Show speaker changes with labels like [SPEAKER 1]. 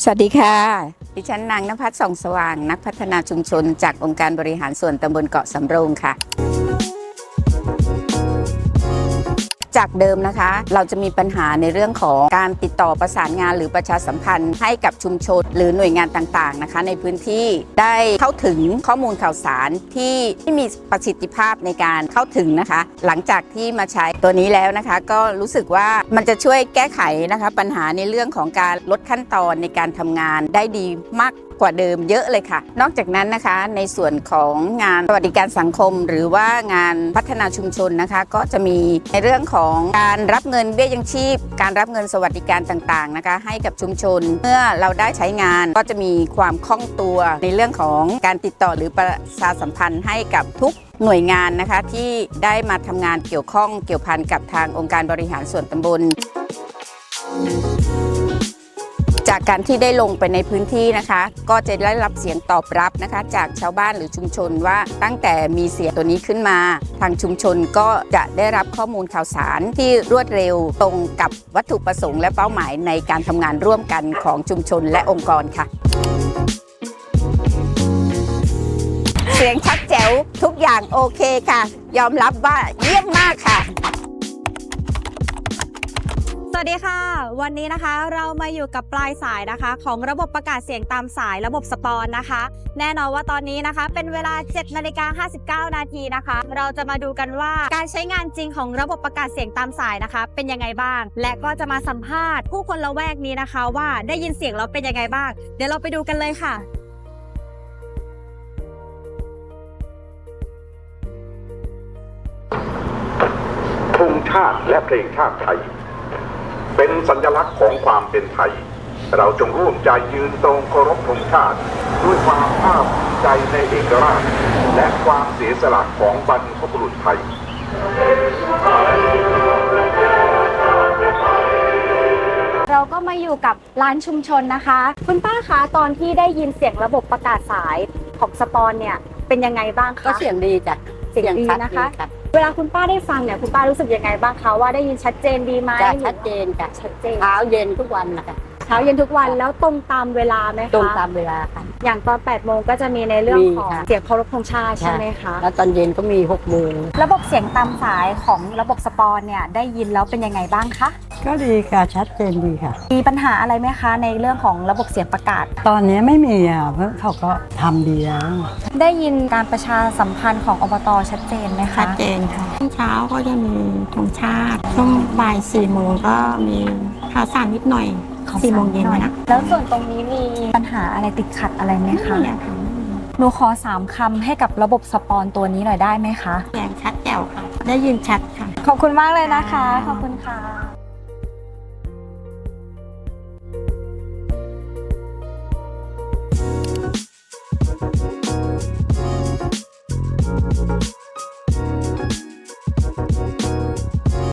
[SPEAKER 1] สวัสดีค่ะดิฉันนางณภัสส่องสว่างนักพัฒนาชุมชนจากองค์การบริหารส่วนตำบลเกาะสำโรงค่ะจากเดิมนะคะเราจะมีปัญหาในเรื่องของการติดต่อประสานงานหรือประชาสัมพันธ์ให้กับชุมชนหรือหน่วยงานต่างๆนะคะในพื้นที่ได้เข้าถึงข้อมูลข่าวสารที่มีประสิทธิภาพในการเข้าถึงนะคะหลังจากที่มาใช้ตัวนี้แล้วนะคะก็รู้สึกว่ามันจะช่วยแก้ไขนะคะปัญหาในเรื่องของการลดขั้นตอนในการทำงานได้ดีมากกว่าเดิมเยอะเลยค่ะนอกจากนั้นนะคะในส่วนของงานสวัสดิการสังคมหรือว่างานพัฒนาชุมชนนะคะก็จะมีในเรื่องของการรับเงินเบี้ยยังชีพการรับเงินสวัสดิการต่างๆนะคะให้กับชุมชนเมื่อเราได้ใช้งานก็จะมีความคล่องตัวในเรื่องของการติดต่อหรือประชาสัมพันธ์ให้กับทุกหน่วยงานนะคะที่ได้มาทำงานเกี่ยวข้องเกี่ยวพันกับทางองค์การบริหารส่วนตำบลจากการที่ได้ลงไปในพื้นที่นะคะก็จะได้รับเสียงตอบรับนะคะจากชาวบ้านหรือชุมชนว่าตั้งแต่มีเสียงตัวนี้ขึ้นมาทางชุมชนก็จะได้รับข้อมูลข่าวสารที่รวดเร็วตรงกับวัตถุประสงค์และเป้าหมายในการทำงานร่วมกันของชุมชนและองค์กรค่ะเสียงชัดแจ๋วทุกอย่างโอเคค่ะยอมรับว่าเยี่ยมมากค่ะ
[SPEAKER 2] สวัสดีค่ะวันนี้นะคะเรามาอยู่กับปลายสายนะคะของระบบประกาศเสียงตามสายระบบสปอนนะคะแน่นอนว่าตอนนี้นะคะเป็นเวลา 7:59 นาทีนะคะเราจะมาดูกันว่าการใช้งานจริงของระบบประกาศเสียงตามสายนะคะเป็นยังไงบ้างและก็จะมาสัมภาษณ์ผู้คนละแวกนี้นะคะว่าได้ยินเสียงเราเป็นยังไงบ้างเดี๋ยวเราไปดูกันเลยค่ะ
[SPEAKER 3] ธงชาติและเพลงชาติไทยเป็นสัญลักษณ์ของความเป็นไทยเราจงร่วมใจยืนตรงเคารพธงชาติด้วยความภาคภูมิใจในเอกราชและความเสียสละของบรรพบุรุษไทย
[SPEAKER 2] เราก็มาอยู่กับร้านชุมชนนะคะคุณป้าคะตอนที่ได้ยินเสียงระบบประกาศสายของสปอนเนี่ยเป็นยังไงบ้างคะ
[SPEAKER 1] ก็เสียงดีจ้ะ
[SPEAKER 2] เสียงดีนะคะเวลาคุณป้าได้ฟังเนี่ยคุณป้ารู้สึกยังไงบ้างคะว่าได้ยินชัดเจนดีไหม
[SPEAKER 1] ชัดเจนค่ะ
[SPEAKER 2] ชัดเจน
[SPEAKER 1] เช้าเย็นทุกวันนะคะ
[SPEAKER 2] เช้าเย็นทุกวันแล้วตรงตามเวลาไหมคะ
[SPEAKER 1] ตรงตามเวลาค่ะ
[SPEAKER 2] อย่างตอน 8 โมงก็จะมีในเรื่องของเสียงเคารพธงชาติใช่ไหมคะ
[SPEAKER 1] แล้วตอนเย็นก็มี6 โมง
[SPEAKER 2] ระบบเสียงตามสายของระบบสปอนเนี่ยได้ยินแล้วเป็นยังไงบ้างคะ
[SPEAKER 4] ก็ดีค่ะชัดเจนดีค่ะ
[SPEAKER 2] มีปัญหาอะไรไหมคะในเรื่องของระบบเสียงประกาศ
[SPEAKER 4] ตอนนี้ไม่มีอ่ะเพราะเขาก็ทำดีแล้ว
[SPEAKER 2] ได้ยินการประชาสัมพันธ์ของอบต.ชัดเจนไหมคะ
[SPEAKER 5] ชัดเจนค่ะเช้าก็จะมีธงชาติช่วงบ่าย 4 โมงก็มีข่าวสารนิดหน่อย4 โมงเย็นนะ
[SPEAKER 2] แล้วส่วนตรงนี้มีปัญหาอะไรติดขัดอะไรไหมคะหนูขอ3 คำให้กับระบบสปอนตัวนี้หน่อยได้ไหมคะ
[SPEAKER 5] เสียงชัดแจ๋วค่ะได้ยินชัดค่ะ
[SPEAKER 2] ขอบคุณมากเลยนะคะขอบคุณค่ะ